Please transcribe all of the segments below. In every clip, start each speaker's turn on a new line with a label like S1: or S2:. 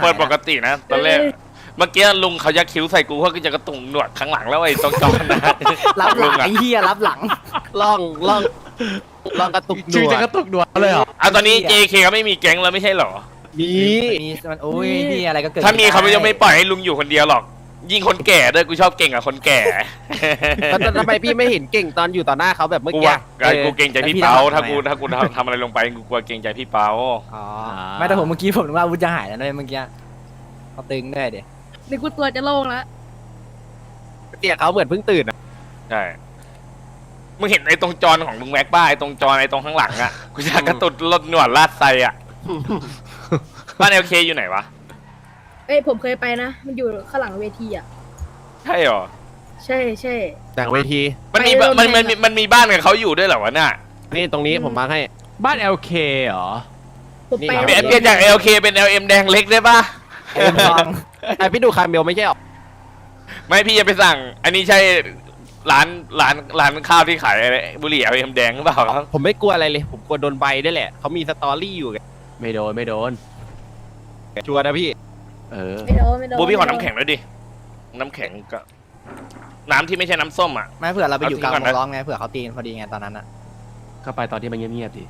S1: เปิดปกตินะตอนแรกเมื่อกี้ลุงเขายักคิ้วใส่กูเขาก็จะกระตุงหนวดข้างหลังแล้วไอ้ตรงจอนะ
S2: รับหลังไอ้เหี้ยรับหลัง
S3: ล่องกระตุกหน
S4: ชื่อ
S3: ว
S4: จะ
S3: ด
S4: กระตุกหนวดเลยเหรอ
S1: ตอนนี้ JK เขาไม่มีแก๊งแล้วไม่ใช่เหรอ
S3: มี
S2: มีมันโอ้ยนี่อะไรก็เกิด
S1: ถ้ามีเขาจะไม่ปล่อยให้ลุงอยู่คนเดียวหรอก ยิ่งคนแก่ด้วยกูชอบเก่งกับคนแก่
S3: แล้วทำไมพี่ไม่เห็นเก่งตอนอยู่ต่อหน้าเขาแบบเมื่อ
S1: กู
S3: กี้
S1: ว่ากูเกรงใจพี่เปาถ้ากูทำอะไรลงไปกูกลัวเกรงใจพี่เปา
S2: อ๋อไม่แต่ผมเมื่อกี้ผมนึกว่าอาวุธจะหายแล้วด้วยเมื่อกี้เขาตึงด้วยเดี๋ยว
S5: นี่กูตัวจะโล่งแล้ว
S3: เตี่ยเขาเหมือนเพิ่งตื่นอ่ะ
S1: ใช่มึงเห็นไอ้ตรงจอนของลุงแม็กบ้าไอ้ตรงจอนไอ้ตรงข้างหลังอ่ะกูอยากกระตุดรถหนวดลาดไซอ่ะบ้าน LK อยู่ไหนวะ
S5: เอ้ยผมเคยไปนะ มันอยู่ข้างหลังเวทีอ่ะ
S1: ใช่เหรอ
S5: ใช่ใช่
S3: แต่เวที
S1: มันมี
S5: ไปโรงแรม
S1: มันมีบ้านกับเขาอยู่ด้วยเหรอวะน่ะ
S3: นี่ตรงนี้ผมมาให้
S4: บ้าน LK เหรอ
S5: ผมไป
S3: นี่
S1: เปลี่ยนจาก LK เป็น LM แดงเล็กได้ปะ
S2: เอ็มทอง
S3: ไอพี่ดูคาร์เมลไม่ใช่หรอ
S1: ไม่พี่จะไปสั่ง อันนี้ใช่ร้านข้าวที่ขายอะไรบุหรี่ LM แดงหรือเปล่าครับ
S3: ผมไม่กลัวอะไรเลย ผมกลัวโดนใบได้แหละเขามีสตอรี่อยู่ไง
S4: ไม่โดน
S3: ชัวร์นะพี่
S4: เออ
S5: ไม่โดนไม่โดน
S1: บูพี่ขอน้ำแข็งด้วยดิ น้ำแข็งก็น้ำที่ไม่ใช่น้ำส้มอ่ะ
S2: ไม่เผื่อเราไปอยู่กลาง
S1: เอา
S2: ว
S1: ทิ้งก่อนนะ
S2: งล้อมไงเผื่อเขาตีกันพอดีไงตอนนั้นอ่ะ
S4: เข้าไปตอนที่มันเงียบๆดิ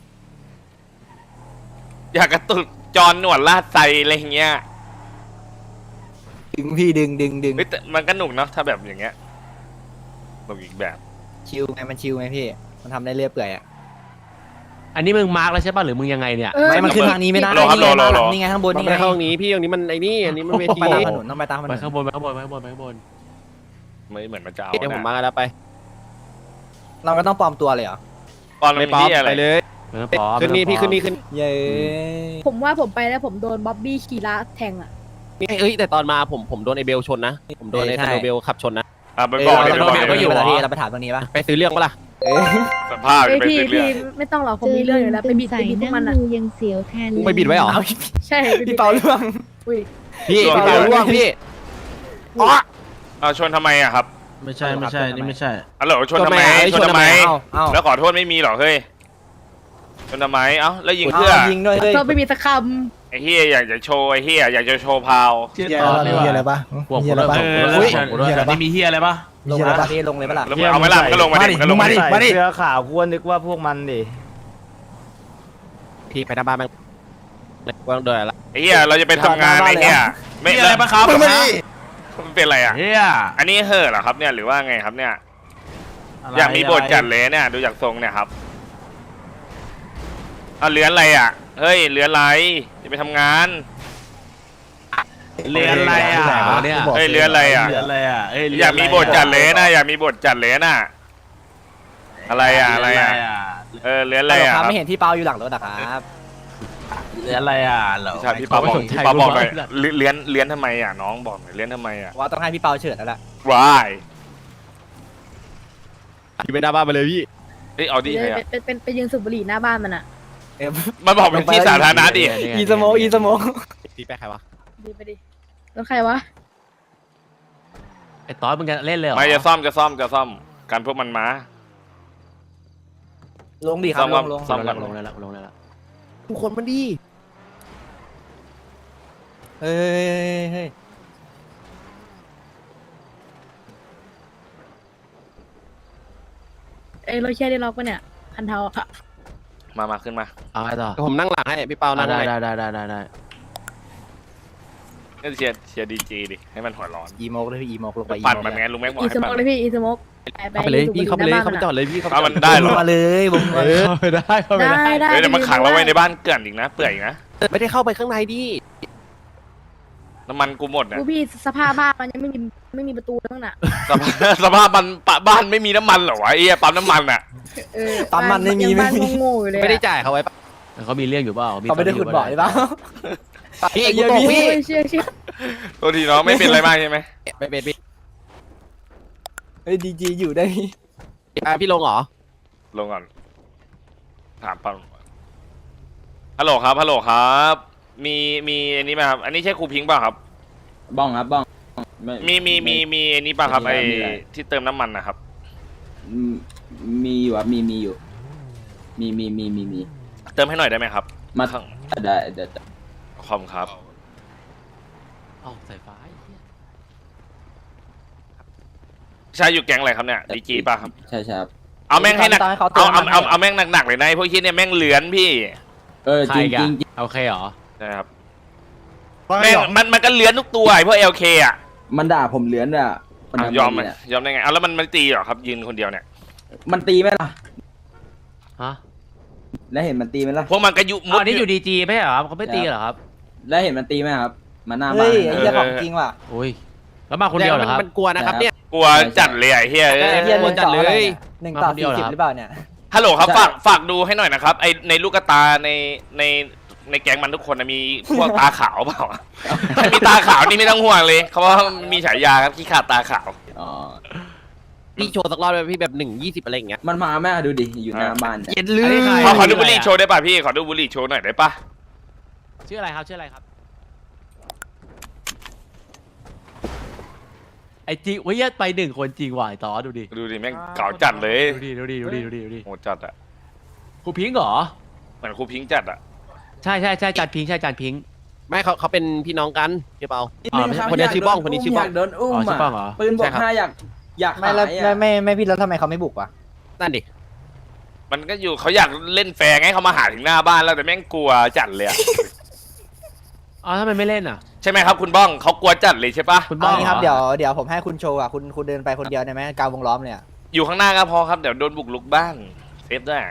S1: อยากกระตุกจอนหนวดลาดไซอะไรอย่างเงี้ย
S2: ดึงพี่ดึง
S1: เฮ้ยแต่มันก็หนุกเนาะถ้าแบบอย่างเงี้ยหนุกอีกแบบ
S2: ชิลไงมันชิลไงพี่มันทำได้เรื่อยเปื่อยอ่ะ
S4: อันนี้มึงมาร์กแล้วใช่ป่ะหรือมึงยังไงเนี่ย
S2: ไม่มันขึ้นทางนี้ไม่ได้
S1: รอครับ
S2: นี่ไง
S1: รอ
S2: บ้านหลั
S1: รอ
S2: งนี่ไงข้างบน
S3: มัน
S2: นี่
S3: ไม่
S2: ไง
S3: เข้าตรงนี้พี่ตรงนี้มันไอ้นี่อันนี้มันเวที
S2: ไปตามถนนต้องไปตามถน
S4: ไป
S2: น
S4: ข้างบนไปข้างบนไปข้างบนไปข้างบน
S1: ไม่เหมือนมันจะเอา
S3: เดี๋ยวผม
S1: นะ
S3: มาแล้วไป
S2: เราไม่ต้องปลอมตัวเลยเหรอ
S1: ตอน
S3: ไม่
S1: มัน
S3: ป๊อป
S1: ที่อะไร
S3: ไปเลย
S4: ไม่ต้องพร้อม
S3: ขึ้นนี่พี่ขึ้นนี่ขึ้น
S2: เย้
S5: ผมว่าผมไปแล้วผมโดนบ๊อบบี้ขี่ล้าแทงอ่ะ
S3: นี่เอ้ยแต่ตอนมาผมโดนไอเบลชนนะ ผมโดนไอเบลขับชนนะ
S1: อ่ะไปบอกดิ
S2: เอ
S1: ไป
S2: อ
S1: บอก
S2: เรา
S1: ดิ
S2: ก็อยู่เราเราไปถามตรงนี้ป่ะ
S3: ไปซื้อเรื่องปะล่ะ
S2: เออ
S1: สภาพ
S5: เอ้ย
S1: เป็น
S5: พี่
S1: เรื่
S5: พี่
S1: อง
S5: ไม่ต้องหรอกผมมีเรื่องอยู่แล้วไปบิดพวกมันอ่ะ
S6: ยังเสียวแทน
S3: มึงไปบิดไว้เหรอ
S2: เอา
S5: ใช่ไปบิ
S2: พี่
S5: ด
S2: เปาเรื่อง
S5: อุ้ย
S3: พี่พี่เปาล่วงพี่
S1: เอาชนทำไมอ่ะครับ
S4: ไม่ใช่นี่ไม่ใช่
S1: อ๋อเหรอชนทำไม
S3: ชนทำไม
S2: เอา
S1: แล้วขอโทษไม่มีหรอเฮ้ยชนทำไมเอ้าแล้วยิงเพื่อ
S2: ยิงด้วยเฮ้ย
S5: เราไปมีสักค
S1: ไอ้เฮียอยากจะโชว์ไอ้เฮียอยากจะโชว์พาว
S4: เชี่ยตอนนี่
S7: เฮียอะไร
S4: ว่า
S7: ปะ
S4: หัว
S7: เฮี
S4: กู
S7: ยอะไร
S4: ด้วย
S7: ปะ
S4: หัวกูด้วยนี่มีเฮียอะไรปะ
S2: ลงเลยป่ะลงเลยป่ะล่ะ
S1: แล้วมึงเอาไหมล่ะมึงก็ลงมาดิมึงก็ลงมาดิ
S7: มาดิเสื้อขาวกูนึกว่าพวกมันดิ
S3: พี่ไปหน้าบ้านมันวางเดือดละ
S1: ไอ้เฮียเราจะไปทำงานไอ้เฮียไม่
S4: เฮียอะไรปะครับ
S1: มันเป็นอะไรอ่ะ
S4: เฮีย
S1: อันนี้เห่อเหรอครับเนี่ยหรือว่าไงครับเนี่ย อยากมีบทจัดเลยเนี่ยดูจากทรงเนี่ยครับเอาเลื้อนอะไรอ่ะเฮ้ยเลื้อนอะไรจะไปทำงาน
S4: เรียนอะไรอ่ะ
S7: เนี่ย
S1: เฮ้ยเลื้อนอะไรอ่ะ
S4: เรียนอะไรอ่ะเอ้
S1: อยากมีบทจัดเลยนะอยากมีบทจัดเลยนะอะไรอ่ะอะไรอ่ะเลื้อนอะไรอ่ะ
S2: ค
S1: ค
S2: รั
S1: รั
S2: บบ ไม่เห็นพี่เปาอยู่หลังรถอะครับ
S4: เรียนอะไรอ่ะเหรอ
S1: ใช่พี่ปาบอกพี่ปาบอกหน่อยเลื้อนทำไมอ่ะน้องบอกหน่อยเลื้อนทำไมอ่ะ
S2: ว่าต้องให้พี่เปาเฉิดแล้วล่ะ
S1: วาย
S3: พี่ไปหน้าบ้านไปเลยพี่
S1: เอ้ยเอา
S5: ำ
S1: ดิใครอ่ะ
S5: เป็นไปยืนสูบบุหรี่หน้าบ้านมันอ่ะ
S2: เอ็ม
S1: มันบอกเป็นที่สาธารณะดิ
S2: อีสโมอีสโม
S3: พี่ไปใครวะ
S5: ดีไปดิแล้วใครวะ
S4: ไอ้ตอนมึงจะเล่นเลยเหรอ
S1: ไม่จะซ่อมการพวกมันมา
S2: ลงดิครับลง
S1: ซ่อมก่อน
S4: ลงแล้วลงแล้ว
S3: ทุกคนมันดี
S2: เฮ้ย
S5: เอ้ยเราแค่ได้ล็อกปะเนี่ยคันเทาอะ
S1: มาขึ้นมา
S4: เอาไงต่อ
S3: ผมนั่งหลังให้พี่เปานั่ง
S4: ได้
S3: ให้
S4: ได้
S1: ก็เชียร์ดีจีดิให้มันหัวร้อน
S2: อีโมกเลยพี่อีโมกลงไป
S1: ปั่นมันไงลุงแม็กบอก
S5: อี
S1: ให้
S5: สโม
S1: ปั่
S5: ก
S1: น
S5: เลยพี่อีสโมก
S3: เข้าไปเลยพี่เข้าไปเลยเข้าไปจอดเลยพี่เข้าไป
S1: เอา
S3: จอ
S1: มั
S3: ด
S1: นได้เหรอ
S2: มาเลยบุ้งมา
S4: เข้าไปได้เข้าไปได้
S5: ได้
S1: เฮ้ยเดี๋ยวมันขังเราไว้ในบ้านเกลื่อนอีกนะเปื่อยอีกนะ
S3: ไม่ได้เข้าไปข้างในดิ
S1: น้ำมันกูหมดนะ
S5: กูพี่สภาพบ้านมันยังไม่มีประตูแล้วน่ะ
S1: สภาพมันบ้านไม่มีน้ำมันเหรอวะไอ้เหี้ยปั๊มน้ำมันอ่ะ
S5: เออ
S2: ปั๊มมันไม่มี
S5: ยัง
S2: ไม่
S5: บ้าน
S2: มี
S5: โง่ๆอยู่เลย
S3: ไม่ได้จ่ายเขาไว้ปะ
S4: เขามีเรื่องอยู่เปล่า
S2: เขาไม่ได้ขุดบ่อหรือเปล่า
S3: พี่กูตกพี่
S5: เชื่อ
S1: ตัวทีน้องไม่เป็นอะไรมากใช่ไหม
S3: ไม่เป็นพี่
S2: เฮ้ยดีจีอยู่ได้
S3: พี่ลงเหรอ
S1: ลงก่อนถามปั๊มฮัลโหลครับ มีอันนี้ไหมครับอันนี้ใช่ครูพิงค์ป่ะครับ
S8: บ้องครับบ้องไม่
S1: มีอันนี้ป่ะครับ
S8: ไม่
S1: ไอ้
S8: มีอะไร
S1: ที่เติมน้ำมันนะครับ
S8: อืมมีอยู่ครับมีอยู่ มี
S1: เติมให้หน่อยได้ไหมครับ
S8: มา
S1: ข้าง
S8: ได้เดี๋ยว
S1: คอมครับ
S4: เอ้าสายฟ้าไอ้เหี้ย
S1: ชายอยู่แก๊งอะไรครับเนี่ยดีจีป่ะครับ
S8: ใช่ครับ
S1: เอาแม่งให้หนัก
S2: ต้องให้เขาเตื
S1: เอา
S2: อน
S1: เอาแม่งหนักๆเลยนะไอ้พวกเฮียเนี่ยแม่งเหลือนพี่
S4: ใค
S8: จ
S4: ร
S8: ริง
S4: กั
S8: จ
S4: น
S8: ริง
S4: โอเคเหรอ
S1: นะครับแม่งมันก็เหลือนทุกตัวไอ้พวกเอลเคอ่ะ
S8: มันด่าผมเลื้อนอ่ะมันทำ
S1: ยอมไหม
S8: เนี่ย
S1: ยอมได้ไงเอาแล้วมันตีเหรอครับยืนคนเดียวเนี่ย
S8: มันตีไหมล่ะ
S4: ฮะ
S8: แล้วเห็นมันตีไหมล่ะ
S1: พวกมันก็ยุ
S4: อ๋ออันนี้อยู่ดีจีไม่ใช่เหรอครับเขาไม่ตีเหรอครับ
S8: แล้วเห็นมันตีไหมครับมาหน้าบ้า
S2: เฮ้
S8: น
S2: ยไอ้เหี้ยของจริงว่ะ
S4: โอ้ยแล้วมาคนเดียวเหรอครับ
S3: มันกลัวนะครับเนี่ย
S1: กลัวจัดเลยไอ้เฮีย
S2: ไอ้เหี้ยหนึ่งต่ออะไร
S3: เลย
S2: เนี่ยหนึ่งต่อ
S4: มาคนเดียวเหรอ
S2: 40หรือเปล่าเนี่ย
S1: ฮัลโหลครับฝากดูให้หน่อยนะครับไอในลูกตาในแก๊งมันทุกคนนะมีพวกตาขาวเปล่าใครมีตาขาวนี่ไม่ต้องห่วงเลยเขาว่ามีฉายาครับขี้ขาดตาขาว
S8: อ๋อ
S3: พี่โชว์สักรอบเลยพี่แบบ1-20อะไรอย่างเงี้ย
S8: มันมาแม่ดูดิอยู่หน้าบ้านเนี่ย
S3: เย็นลื
S4: อันนี้ใคร
S1: ขอดูบุหรี่โชว์ได้ป่ะพี่ขอดูบุหรี่โชว์หน่อยได้ป่ะ
S4: ชื่ออะไรครับชื่ออะไรครับไอจริงเว้ยไปหนึ่งคนจริงว่ะไอ้ต่อดูดิ
S1: ดูดิแม่งเก่าจัดเลย
S4: ดูดิ
S1: โหดจัดอะ
S4: ครูพิงค์เหรอ
S1: เหมือนครูพิงค์จัดอะ
S4: ใช่จานพิงค์ใช่จานพิงค์
S3: ไม่เขาเป็นพี่น้องกันใช่เปล่า
S4: อ๋อไม่ใช่
S3: คนนี้ชื่อบ้องคนนี้ชื่อบ้อง
S8: ยากโดนอุ้ม
S4: อ๋อชื่อบ้อง
S8: อ่ะ
S4: เหรอ
S8: ปืนบว
S3: ใช่
S8: ก
S3: ครับ
S8: ห้าอยาก
S2: ไม่แล้ว
S8: หายอะ
S2: ไม่พี่แล้วทำไมเขาไม่บุกวะ
S3: นั่นดิ
S1: มันก็อยู่เขาอยากเล่นแฟร์ไงเขามาหาถึงหน้าบ้านแล้วแต่แม่งกลัวจัดเลยอะ
S4: อ๋อทำไมไม่เล่นอ่ะ
S1: ใช่ไหมครับคุณบ้องเขากลัวจัดเลยใช่ปะ
S4: คุณบ้
S2: เอา
S4: อง
S2: งี้ครับ
S4: หอ
S2: เดี๋ยวผมให้คุณโชว์อ่ะคุณเดินไปคนเดียวได้ไหมกลางวงล้อมเลยอ่ะ
S1: อยู่ข้างหน้าก็พอครับเดี๋ยวโดนบุกลุกบ้านเซฟได้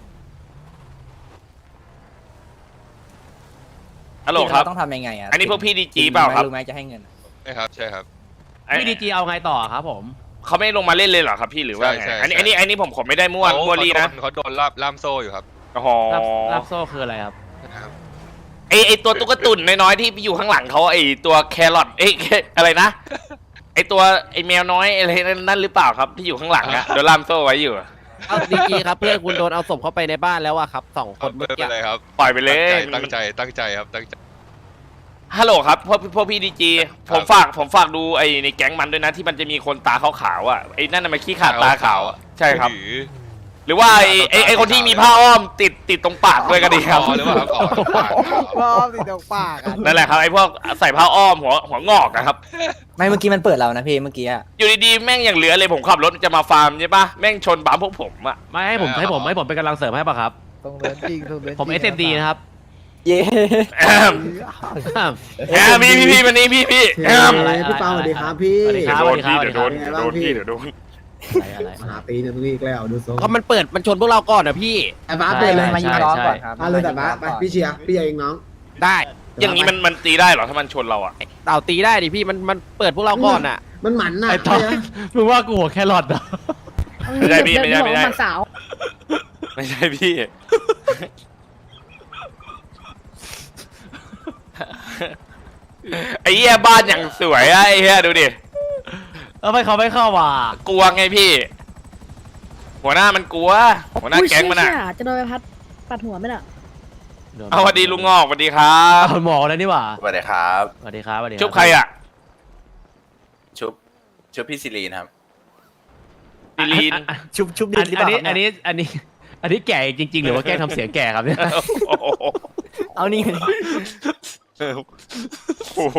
S1: ฮัลโหลครับ
S2: เาต้องทำยังไงอ่ะ
S1: อันนี้พวกพี่ดีจีเปล่าครับ
S2: รู้ไหมจะให้เงิน
S6: ใช่ครับใช่ครับ
S4: พี่ดีจีเอาไงต่อครับผม
S1: เขาไม่ลงมาเล่นเลยเหรอครับพี่หรือว่าไง
S6: ใช่
S1: อันนี้ผมขอไม่ได้มั่วมั่วลีนะ
S6: เขาโดนล่ามโซ่อยู่ครับ
S1: โอ้โห
S4: รับโซ่คืออะไรครับ
S6: นะครับ
S1: ไอตัวตุ๊กตุ่นน้อยๆที่อยู่ข้างหลังเขาไอตัวแครอทอะไรนะไอตัวไอแมวน้อยอะไรนั่นหรือเปล่าครับที่อยู่ข้างหลังอะโดนล่ามโซ่ไว้อยู่อะ
S3: เอาดีๆครับเพื่อนคุณโดนเอาศพเข้าไปในบ้านแล้วอะครับ2 คนเมื่
S6: ไม่
S3: อ
S6: เป็
S3: กี้
S6: นไรครับ
S1: ปล่อยไปเลย
S6: ตั้งใจครับตั้งใจ
S1: ฮัลโหลครับพวกพี่ดีจีผมฝากดูไอในแก๊งมันด้วยนะที่มันจะมีคนตาขาวๆอ่ะไอนั่นน่ะมันขี้ขาดตาขาวอะใช่ครับ หรือว่าไอคนที่มีผ้าอ้อมติดตรงปากด้วยก็ดีครับ
S6: หรือเปล่าครับอ๋อ
S2: ติดตรงปากอ่ะ
S1: นั่นแหละครับไอพวกใส่ผ้าอ้อมหัวงอกนะครับ
S2: ไม่เมื่อกี้มันเปิดเรานะพี่เมื่อกี้อ่ะ
S1: อยู่ดีๆแม่งอย่างเหลือเลยผมขับรถจะมาฟาร์มใช่ปะแม่งชนปั๊มพวกผมอ่ะ
S4: ไม่ให้ผมเป็นกำลังเสริมให้ป่ะครับ
S2: ตรงเดินจริงตรงเดิน
S4: ผม SMD นะครับ
S2: เย้
S1: แอมพี่วันนี้พี่แอม
S4: อะไร
S9: พี่เปาสวัสดีครับพี่
S4: สวัสดีครับ
S1: เดี๋ยวโดน
S9: สวัสดีครับ
S1: พี่เดี๋ยวโดน
S4: อะไร
S9: หาตีหนึ่งอีกแล้วดูทรง
S3: ก็มันมันชนพวกเราก่อนนะพี่
S9: ไอ้บ้าส
S2: เดิ
S9: เป็น น
S2: เล
S9: เลย ย
S2: มายิงล้อก่อนครับ
S9: เอาเลยแต่บ้าสไปพี่เชียร์พี่เองน้อง
S3: ได้
S1: อย่างนี้มันตีได้เหรอถ้ามันชนเราอ่ะ
S3: เต่าตีได้ดิพี่มันเปิดพวกเราก่อนอะ
S9: มันหมันน่ะ
S4: ไอ้ต่อมึงว่ากูหัวแครอทเหรอ
S1: ไม่ได้พี่ไม่ได้
S5: เดินบอกว่ามาสาว
S1: ไม่ใช่พี่ ไอ้เหี้ยบ้านอย่างสวยอะไอ้เหี้ยดูดิ
S4: แล้วไปเขาไม่เข้าว่ะ
S1: กลัวไงพี่ หัวหน้ามันกลัว หัวหน้าแก๊งมันอะ
S5: อุ๊ยเชี่ยจะโดนไปปัดหัวไหมน่ะ
S1: เอาสวัสดีลุงงอกสวัสดีครั
S4: เอา
S1: บ
S4: หมอแล้วนี่หว่า
S10: สวัสดีครับ
S4: สวัสดีครับสวัสดีครับ
S1: ชุบใครอะ
S10: ชุบพี่ซิลีนครับ
S1: ดิลีน
S2: ชุบดีหรือเปล่า
S4: อันนี้แก่จริง ๆ หรือว่าแกล้งทำเสียงแก่ครับเนี่ย
S1: โอ้โห
S2: เอานี่ไง
S1: โอ้โห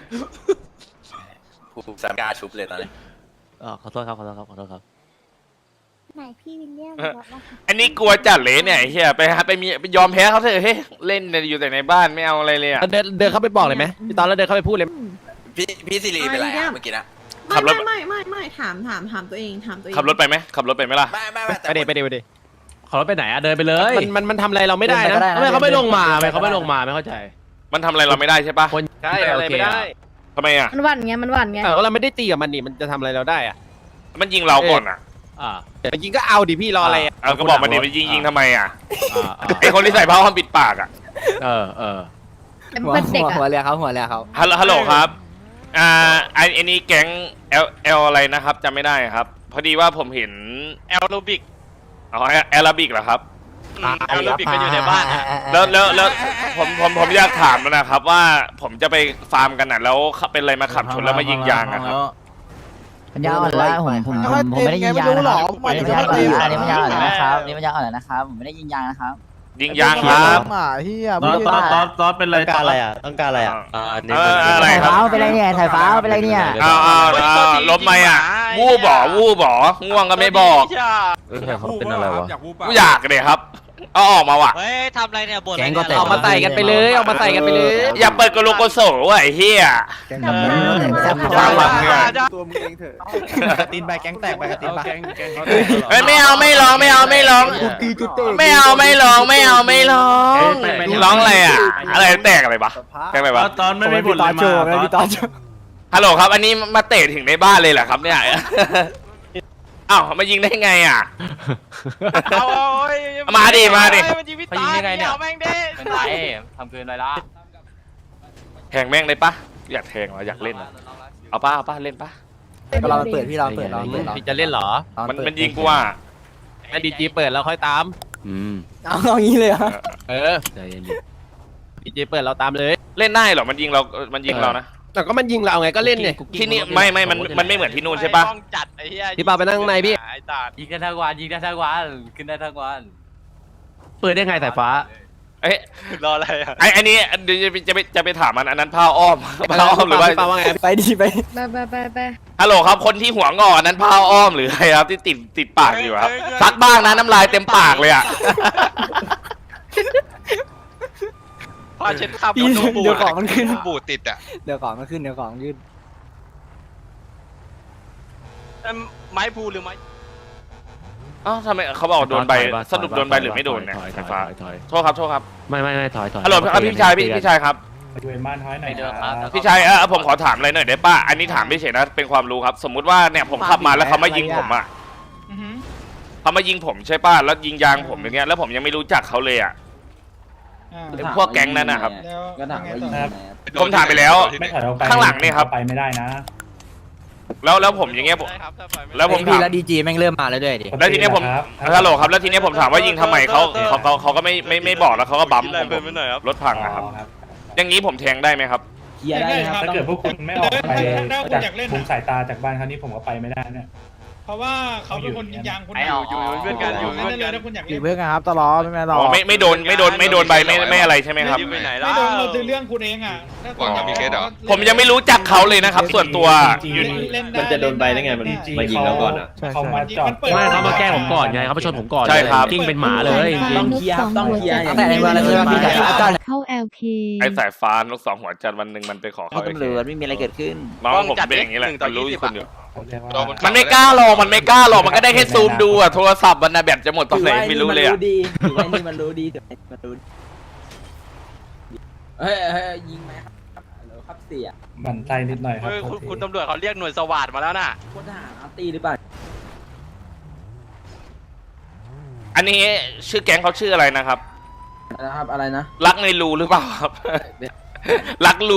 S10: ผู้สามกล้าชุบเลยตอนนี้
S4: ขอโทษครับ
S5: ไหนพี่วิลเลียม
S1: อันนี้กลัวจัดเลยเนี่ยไอ้เหี้ยไปยอมแพ้เขาเถอะเฮ้ยเล่นอยู่แต่ในบ้านไม่เอาอะไรเลยอะ
S3: เดินเข้าไปบอกเลยไหมพี่ตอนแล้วเดินเข้าไปพูดเลย
S10: พี่ซิลีเป็นไรอะเมื่อกี้นะ
S1: ขับรถ
S11: ไม่ถามตัวเอง
S1: ขับรถไปไหมขับรถไปไหมล่ะ
S10: ไม่แต่
S3: ไปเด
S4: ขอรถไปไหนอะเดินไปเลย
S3: มันทำอะไรเราไม่ได้นะ
S4: ทำไมเขาไม่ลงมาไม่เข้าใจ
S1: มันทำอะไรเราไม่ได้ใช่ปะ
S4: คน
S3: ใช่อะไรไม่ได้
S1: ทำไมอะ
S5: มันหวั่นไงมันหวั่นไง
S3: ก็เราไม่ได้ตีกับมันนี่มันจะทำอะไรเราได้อะ
S1: มันยิงเราก่อนอะ
S4: อ่า
S3: แต่ยิงก็เอาดิพี่รออะไรอะ
S1: เอาก็บอกมันดิมันยิงทำไมอะ
S4: อ่า
S1: ไอคนที่ใส่ผ้าอ้อมปิดปากอะ
S4: เออ
S5: มันเป็นเด็กอะ
S2: หัวเรือเขาหัวเรือเขา
S1: ฮัลโหลครับอันนี้แก๊งเอลอะไรนะครับจำไม่ได้ครับ พอดีว่าผมเห็นแอโรบิกอ๋อแอโรบิกเหรอครับแอโรบิกก็อยู่ในบ้านแล้วผมอยากถามนะครับว่าผมจะไปฟาร์มกันน่ะแล้วเป็นอะไรมาขับชนแล้วมายิงยางอะครับ
S2: ปัญญาอ่อนแล้วผมไม่ได้ยิงยางนะครับอันนี้ปัญญาอ่อนนะครับอันนี้ปัญญาอ่อนนะครับผมไม่ได้ยิงยางนะครับ
S1: ยิงยางครับ
S4: ตอนเป็นอะไร
S7: ต้องการอะไรอ่ะต้องการอะไรอ่ะ
S1: อะไรครับ
S2: เป็นไรเนี่ยสายฟ้าเป็นไรเนี่ย
S1: อ้าวล้มไหมอ่ะวูบบ่ง่วงก็ไม่บอก
S7: เขาเป็นอะไรวะ
S1: กูอยากเลยครับเอาออกมาว่ะ
S10: เฮ้ยทำอะไรเนี่ยบ่น
S2: แก๊งก็แตก
S3: เอามาใส่กันไปเลยเอามาใส่กันไปเลย
S1: อย่าเปิดกระโหลกกระโสว่ะไอ้เหี้ย ฟังหลังเนี่ย
S2: ตัวมึงเองเถอะ
S7: ตีนใบแก๊งแตกไปตีนใบ
S1: เฮ้ยไม่เอาไม่ร้องไม่เอาไม่ร้องไม่เอาไม่ร้องไม่เอาไม่ร้องร้องอะไรอ่ะอะไรแตกอะไรปะแตกอะไรปะ
S4: ตอนไม่มีบทเลยมา
S1: ฮัลโหลครับอันนี้มาเตะถึงในบ้านเลยเหรอครับเนี่ยอ้าวมายิงได้ไงอ่ะมาดิมาดิ
S10: ไปยิงยังไงเนี่ยแม่งเด้
S3: เป็นไรทำเกินไรล่ะ
S1: แทงแม่งเลยปะอยากแทงเหรออยากเล่นเหรอเอาป้าเล่นปะ
S2: เราเปิดพี่เราเปิดเราเปิดเรา
S3: พี่จะเล่นเหรอ
S1: มันยิงกูอ่ะ
S3: ให้ดีจีเปิดแล้วค่อยตาม
S2: เอางี้เลยเหรอ
S3: เออดีจีเปิดเราตามเลย
S1: เล่นได้เหรอมันยิงเรานะ
S3: แต่ก็มันยิงเราไงก็เล่นเนี่ย
S1: ที่นี่ไม่มันไม่เหมือนที่นู่นใช่ปะ
S10: ต้องจัดไอ้เหี้ย
S3: พี่ปาไปนั่งในพี่
S10: ไอ้ตาด
S3: ยิงได้ทั้งวันยิงได้ทั้งวันขึ้นได้ทั้งวัน
S4: เปิดได้ไงสายฟ้า
S1: เอ้ย
S10: รออะไรอ่ะ
S1: อันนี้เดี๋ยวจะไปถามมันอันนั้นผ้าอ้อมผ้าอ้อมหรือว่า
S3: พี่ปาว่าไง
S2: ไปดีไป
S5: ไป
S1: ฮัลโหลครับคนที่หัวงอกอันนั้นผ้าอ้อมหรืออะไรครับที่ติดปากอยู่ครับซักบ้างนะน้ำลายเต็มปากเลยอ่ะ
S10: ผ้าเช็ดคราบ
S2: พี่เดี๋ยวของมันขึ้น
S6: บูดติดอ่ะ
S2: เดี๋ยวของมันขึ้นเดี๋ยวของมันขึ้น
S10: ไม้พูหรือไม้
S1: อ้าวทำไมเขาบอกโดนใบสรุปโดนใบหรือไม่โดนเนี่ยไฟฟ้าโทษครับ
S4: ไม่ถอย
S1: ฮัลโหลพี่ชายครับ พี่ชายผมขอถามอะไรหน่อยได้ป่ะอันนี้ถามไม่เฉยนะเป็นความรู้ครับ สมมุติว่าเนี่ยผมขับมาแล้วเขามายิงผมอ่ะเขามายิงผมใช่ป่ะแล้วยิงยางผมอย่างเงี้ยแล้วผมยังไม่รู้จักเขาเลยอ่ะพวกแก๊งนั้นนะครับ
S8: ก็ถามว่ายิงไหนครับ
S1: ผมถามไปแล้ว ข้างหลังนี่ครับ
S4: ไปไม่ได้นะ
S1: แล้วผมอย่างเงี้ยแล้วผม
S2: พี่
S1: ถาม
S2: แล้วดีจีแม่งเริ่มมาแล้วด้วยดิ
S1: แล้วทีเนี้ยผมฮัลโหลครับแล้วทีเนี้ยผมถามว่ายิงทำไมเขาก็ไม่บอกแล้วเขาก็บั๊มผมรถพังอะครับอย่างนี้ผมแทงได้ไหมครับ
S8: เคลียร์ได้ครับ
S4: ถ้าเกิดพวกคุณไม่ออกไปจากมุมสายตาจากบ้านเขานี่ผมก็ไปไม่ได้เนี่ย
S12: เพราะว่าเขาเป็นคนยิงยางคุณ
S10: อยู่เพื่อนกันอยู่
S12: นั่
S10: เพื่อน
S12: นเล
S10: กั
S12: ย
S10: น
S12: ถ้าคุณอยาก
S2: อ
S12: เล่
S2: ยู่
S12: น
S2: เพื่อนกันครับตลอดไม่รอ
S1: ไม่โดนใบไม่อะไรใช่ไหมครับ
S10: ไปไหน
S12: ไม่
S10: ล่ะ
S12: โดนเราคือเรื่องคุณเองอ่ะ
S6: หวังจะมีเคสเหรอ
S1: ผมยังไม่รู้จักเขาเลยนะครับ ส่วนตัวอยู่
S12: มันจะโดนใบได้ไงมันมายิงเราก่อนอ่ะ
S4: เขามาจอดไม่เขามาแกล้งผมก่อนไงเขามาชนผมก่อน
S1: ใช่ครับ
S4: กิ้งเป็นหมาเลยจริ
S8: ต้อง งเคลียร์ครับต้องเคลียร์
S2: ตั้งแต่ในเมืองแล้วใช่ไหมพี่ชายอาจารย์
S5: เข้า LK
S1: ไอ้สายฟ้านกสองหัวจันทร์วันหนึ่งมันไปขอเขา
S2: ตำรวจไม่มีอะไรเกิดขึ้น
S1: น้องผมเป็นอย่างนี้แหละมันรู้อยู่คนเดียว
S4: ๆ
S1: มันไม่กล้าหรอกมันก็ได้แค่ซูมดูอะโทรศัพท์มันนะแบตจะหมดตอนไหนไม่รู้เลยอะ
S8: ถือว่านี่มันรู้ดีมันรู้ดีเฮ้ยยิงไหมครับฮัลโหลครับเสีย
S4: มันใจนิดหน่อยครับ
S10: คุณตำรวจเขาเรียกหน่วยสวัสดมาแล้วน่ะ
S8: พลทหารอาร์ตี้หรือเปล่า
S1: อันนี้ชื่อแก๊งเขาชื่ออะไรนะครับ
S8: นะครับอะไรนะ
S1: รักในรูหรือเปล่าครับ รักรู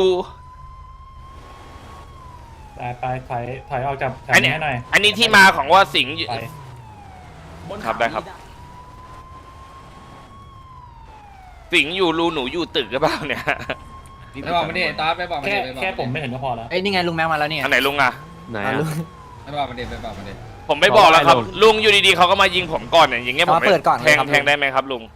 S4: ไปถอยออกจากแถว
S1: อันนี้
S4: นี้ให้หน่อย
S1: อันนี้ที่มาของว่าสิงห์อยู่
S4: ไป
S1: ครับได้ครับ สิงห์อยู่รูหนูอยู่ตึกหรือเปล่าเนี่ย
S12: ไปบอกมันดิตาไปบอกมันดิ
S4: แค่ผมไม่เห็นก็พอแล้ว
S2: เอ้ยนี่ไงลุงแม็กมาแล้วเนี่ย
S1: อันไหนลุงอะ
S4: ไหน
S2: ลุง
S12: ไปบอกมันดิไปบอกมันดิ
S1: ผมไม่บอกแล้วครับ ลุงอยู่ดีๆเขาก็มายิงผมก่อนเนี่ยอย่างเงี้ยผม
S2: เปิดก่อน
S1: แทงได้ไหมครับลุง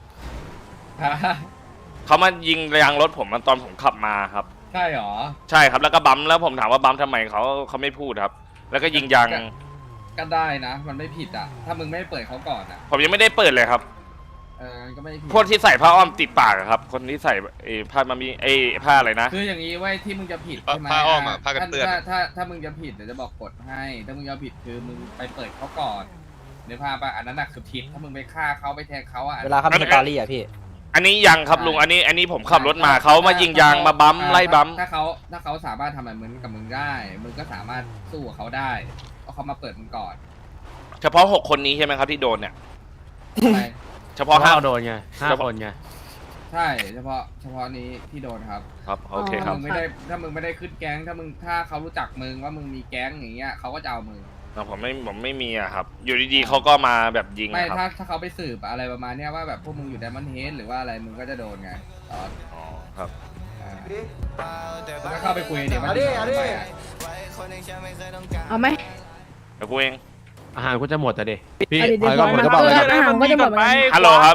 S1: เขามายิงยางรถผมตอนผมขับมาครับ
S12: ใช่หรอ
S1: ใช่ครับแล้วก็บัมแล้วผมถามว่าบัมทำไมเขาไม่พูดครับ แล้วก็ยิงยาง
S12: ก็ได้นะมันไม่ผิดอ่ะถ้ามึงไม่เปิดเขาก่อนอ่ะ
S1: ผมยังไม่ได้เปิดเลยครับ
S12: ก็ไม่ผิด
S1: พวกที่ใส่ผ้าอ้อมติดปากอะครับ คนที่ใส่ผ้ามามีผ้าอะไรนะ
S12: คืออย่างนี้ไว้ที่มึงจะผิดใช่ไหม
S6: ผ้าอ้อมอะผ้ากันเปื้อน
S12: ถ้ามึงจะผิดเดี๋ยวจะบอกกฎให้ถ้ามึงจะผิดคือมึงไปเปิดเขาก่อนในภาพอ่ะอันนั้นน่ะคือผิดถ้ามึงไปฆ่าเขาไปแทงเขาอ่ะ
S2: เวลาเขามีสตอรี่อ่ะพี่
S1: อันนี้ยังครับลุงอันนี้ผมขับรถมาเขามายิงยางมาบัมไล่บัม
S12: ถ้าเขาสามารถทำแบบเหมือนกับมึงได้มึงก็สามารถสู้กับเขาได้เพราะเขามาเปิดมึงก่อน
S1: เฉพาะ6 คนนี้ใช่ไหมครับที่โดนเนี่ย
S12: ใช่
S1: เฉพาะห้า
S4: โดนไง5 คนไง
S12: ใช่เฉพาะนี้ที่โดนครับ
S1: ครับโอเคครับ
S12: ถ้ามึงไม่ได้ขึ้นแก๊งถ้าเขารู้จักมึงว่ามึงมีแก๊งอย่างเงี้ยเขาก็จะเอามึง
S1: ผมไม่มีอะครับ อยู่ดีๆเขาก็มาแบบยิง
S12: ไม่
S1: อะครับ
S12: ถ้าเขาไปสืบอะไรประมาณเนี้ยว่าแบบพวกมึงอยู่ไดมอนด์เฮดหรือว่าอะไรมึงก็จะโดนไงตอน
S1: อ๋อครับ
S12: มึงก็เข้าไปคุยเดี๋ยวมันจะโดนไปอะ
S5: เอาไหม
S1: เดี๋ยวกูเอง
S4: อาหารคุณจะหมดอ่ะดิ
S5: เอาดิเดี๋ยวอาหารก็จะหมดเหมือนกัน
S1: ฮัลโหลครับ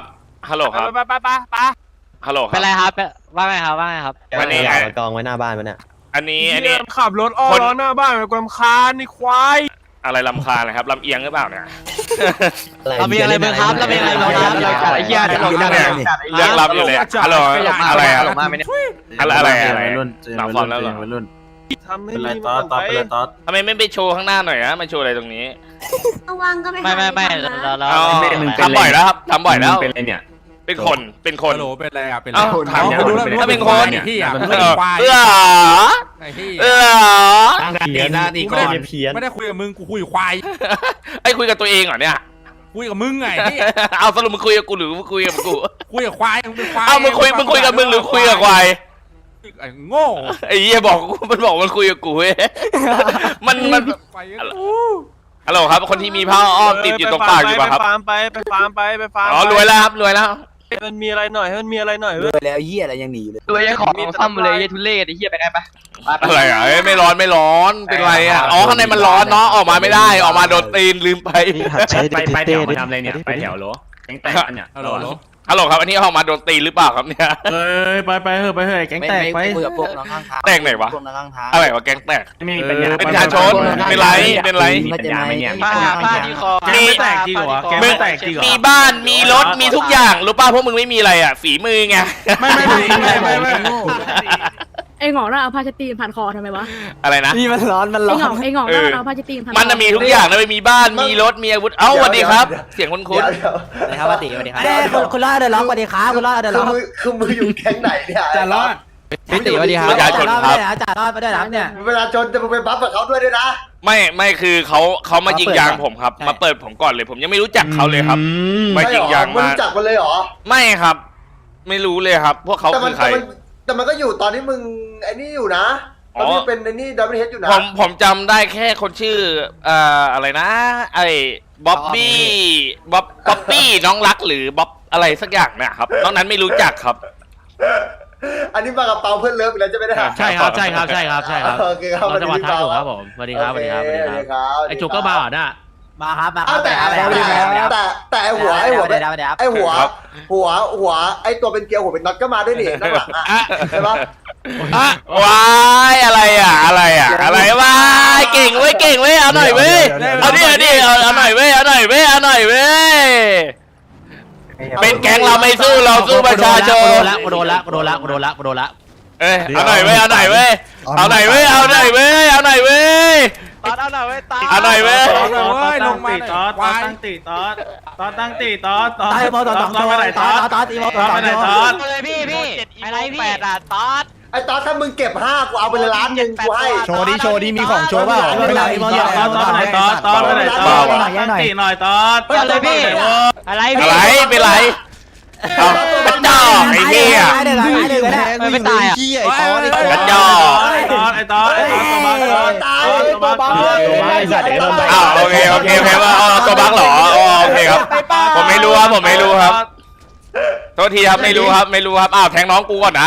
S1: ฮัลโหลครับ
S10: ไป
S1: ฮัลโหลค
S10: เป็นไร
S1: รับ
S10: ครับว่าไงครับว่าไงครับ
S1: วันนี้
S7: เอากองไว้หน้าบ้านมันเนี่ย
S1: อันนี้
S3: ขับรถอ้อล้อหน้าบ้านเป็นความคานนี่ควาย
S1: อะไรลำคาญนะครับลำเอียงหรือเปล่าเนี่ย
S10: เรามีอะไรบ้างครับเรามีอะไรบ้างครับเราจัดไอ้เหี้ยเราจัด
S1: เรื่องลับอยู่เลยฮัลโหลอะไรอะ
S10: ลงมาไหมเนี่ย
S1: อะไรห
S7: ห
S1: ลั
S7: ลั
S1: ง
S7: ง
S1: ฟ
S7: ฟ
S1: อ
S7: อ
S1: ร์
S7: ร์
S1: ม
S7: ม
S1: แล้
S7: แล้ว ว
S1: เห
S7: เห
S1: ร
S7: ร
S1: อ
S7: อ
S3: ทำให้
S7: เป็นไร
S3: มี
S7: ตอดตอดไปเลยตอด
S1: ทำไมไม่ไปโชว์ข้างหน้าหน่อยนะมาโชว์อะไรตรงนี้
S11: ว่างก็ไป
S10: ไม่
S11: เรา
S1: อ๋อทำบ่อยแล้วครับทำบ่อยแล้ว
S7: เป็นไรเนี่ย
S1: เป็นคนเป็นคน
S3: โหลเป็นไรอ่ะเป็น
S1: เอ้าถามถ้าเป็นคน
S3: ที่อ่ะ
S1: เอื้อ
S3: ไอ้ที่
S1: เอื้อ
S7: ตั้งตีหน้าตีก่อนเพี้ยน
S3: ไม่ได้คุยกับมึงกูคุยกับควาย
S1: ไอ้คุยกับตัวเองเหรอเนี่ย
S3: คุยกับมึงไงที่
S1: เอาสรุปมึงคุยกับกูหรือมึงคุยกับกู
S3: คุยกับควายมึงเป็นควาย
S1: เอามึงคุยกับมึงหรือคุยกับควาย
S3: ไอ้โง่
S1: ไอ้เหี้ยบอกกูมันบอกมันคุยกับกูเว้ยมัน
S3: ไป
S1: ฮัลโหลครับคนที่มีผ้าอ้อมติดอยู่ตรงปากอยู่ป่ะครับ
S3: ไปฟาร์มไปฟาร์ม
S1: อ๋อรวยแล้วครับรวยแล้ว
S3: ให้มันมีอะไรหน่อยให้มันมีอะไรหน่อย
S2: เลยแล้วเหี้ยอะไรยังหนีอยู่เลย
S10: ตัวยังของซ่อมเลยยัยทุเรศไอ้เหี้ยไปได้ปะ
S1: อะไรอ่ะเอ้ยไม่ร้อนเป็นไรอ่ะอ๋อข้างในมันร้อนเนาะออกมาไม่ได้ออกมาโดนตีนลืมไป
S7: ไปแถวมาทำอะไรเนี่ยไปแถวเหรอแก๊งแตกเนี่ย
S3: ฮัลโหล
S1: ฮัลโหลครับอันนี้ออกมาโดนตีนหรือเปล่าครับเนี่ย
S7: เอ้ยไปเถอะแก๊งแตกไป
S2: คุยกับพวกน้องข้างทาง
S1: แตกไหนวะ
S2: พวกน้องข้างทาง
S1: อะไรวะแก๊งแตก
S7: ไม่มีปัญญา
S1: เป็นประชาชนเป็นไรเป็นไร
S7: มีปัญญาไหมเนี่ย
S10: ผ้าที่คอ
S7: แก๊งไม่แตกจริงเหรอแก๊งไม่แตกจริงเหรอ
S1: มีบ้านมีรถมีทุกอย่างรู้ป่ะพวกมึงไม่มีอะไรอ่ะฝีมือไง
S7: ไม่
S5: ไอ้หงอกน่าเอาผ้าเช็ดตีนผ่านคอทำไมวะ
S1: อะไรนะ
S2: นี่มันร้อน
S5: ไอ้หงอกน่าเอาผ้าเช็ดตีนผ่านคอ
S1: มันน่ะมีทุกอย่างนะมีบ้านมีรถมีอาวุธเอ้าสวัสดีครับ เสียงคุ้น
S2: นะครับป้าติ๋วสวัสดีครับคุณรอดเดอร์ล็อกสวัสดีครับคุณรอดเดอร์ล็อก
S9: คือมืออยู่แก๊งไหนเนี่ย
S7: จะรอด
S2: พี่ติ๋วสวัสดีครับ
S1: ประชาชนครับ
S2: จ่ารอดไปด้วยนะเนี่ย
S9: เวลาจนจะไปบัฟกับเขาด้วยนะ
S1: ไม่คือเขามายิงยางผมครับ
S2: ใช่
S1: มาเปิดผมก่อนเลยผมยังไม่รู้จักเขาเลยครับมายิงยาง
S9: ไม่
S1: มา
S9: รู้จักมันเลยเหรอ
S1: ไม่ครับ ไม่รู้เลยครับ พวกเขาคือใคร
S9: แต่มันก็อยู่ตอนที่มึงไอ้นี่อยู่นะตอนที่เป็นไอ้นี่ดับเบิลเฮดอยู่นะ
S1: ผมจำได้แค่คนชื่ออะไรนะไอ้บ๊อบบี้น้องรักหรือบ๊อบอะไรสักอย่างนะครับนอกนั้นไม่รู้จักครับ
S9: อันนี้มากับเปาเพื่อนเลิฟอีกแล้วจะไม่ได้
S3: ใช่ครับ
S9: โอเคครับ
S3: เราจะมาทักถูกครับผมสวัสดีครับสวัสดีครับไอ้จุกก็มาน่ะ
S2: มาครับมาค
S9: อ้า
S2: รั
S9: ว
S2: บ
S9: แต่ไอ้หัวไอ้ตัวเป็นเกลียวหัวเป็นน็อตก็มาด้วยนี่ข้างหลังใช่ปะ
S1: ว้ายอะไรอ่ะว้ายเก่งเว้ยเอาหน่อยเว้ยเอาหน่อยเว้ยเป็นแก๊งเราไม่สู้เราสู้ประชาชน
S3: กูโดนละ
S1: เอ้ยเอาหน่อยเว้ย
S10: ตอดเอาหน่อยเว้ย
S3: ลงมาตอดตั้งตีตอดตั้งตีตอด
S2: ตายบอลต่อสองตัวตอดอีบอลต่อสองตัว
S10: เลยพี่อะไรพี่8อ่ะตอด
S9: ไอ้ตอนถ้ามึงเก็บ5กูเอาไปเลยล้านหนึ่งกูให้
S7: โชว์ดิมีของโชว์เปล่า
S3: ตอดไปไหนตอดตั้งตีหน่อยตอด
S10: เลยพี่อะไร
S1: อะ
S10: พี่
S1: ไรเป็นไรเอากระจอกไอ้เหี้ย
S10: ไม่ตายอ่ะ
S1: กระจอก
S3: ไอ้ตอดตัวบัก
S1: อ้าวโอเคว่าตัวบั๊กเหรอโอเคครับผมไม่รู้ครับโทษทีครับไม่รู้ครับอ้าวแทงน้องกูก่อนนะ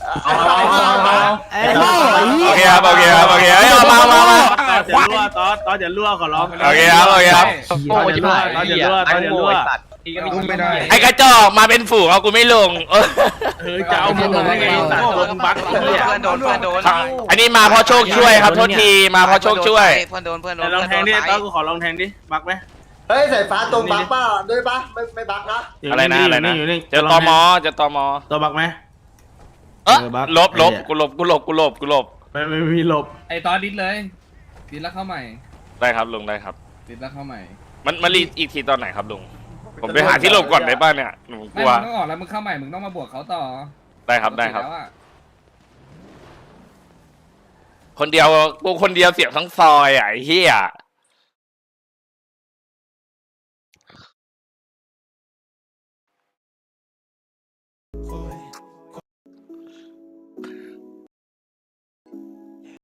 S1: โอเคครับเอ้ยมา
S3: ตอดอย่ารั่วขอร้อง
S1: โอเคครับ
S10: โอ้ยชิบหาย
S3: ตอดอย่ารั่ว
S12: ไม่ได้
S1: ไอ้กระจอกมาเป็นฝูงเอากูไม่ลง
S3: จะเอามึงได้ไงตัดตัวมึงบัก
S10: เพื่อนโดน
S1: อันนี้มาเพราะโชคช่วยครับโทษทีมาเพราะโชคช่วย
S10: เพื่อนโดน
S3: ลองแทงดิตอดกูขอลองแทงดิบักไหม
S9: เฮ้ยสายฟ้าตรงบักป่ะด้วยป่ะไม่บักนะ
S1: อะไรนะเจอตม
S3: ตัวบักไหม
S1: ลบกูหลบ
S3: ไม่มีหลบ
S12: ไอ้ตอนดิสเลยดิสแล้วเข้าใหม่
S1: ได้ครับลุงได้ครับ
S12: ดิสแล้วเข้าใหม่
S1: มันรีอีกทีตอนไหนครับลุงผมไปหาที่หลบก่อนได้ป่ะเนี่ยหนูก
S12: ไม่
S1: ลัว
S12: มึงต้องออกแล้วมึงเข้าใหม่มึงต้องมาบวกเขาต่อ
S1: ได้ครับ
S12: แล้วอะ
S1: คนเดียวกูคนเดียวเสียบทั้งซอยอ่ะไอ้เหี้ย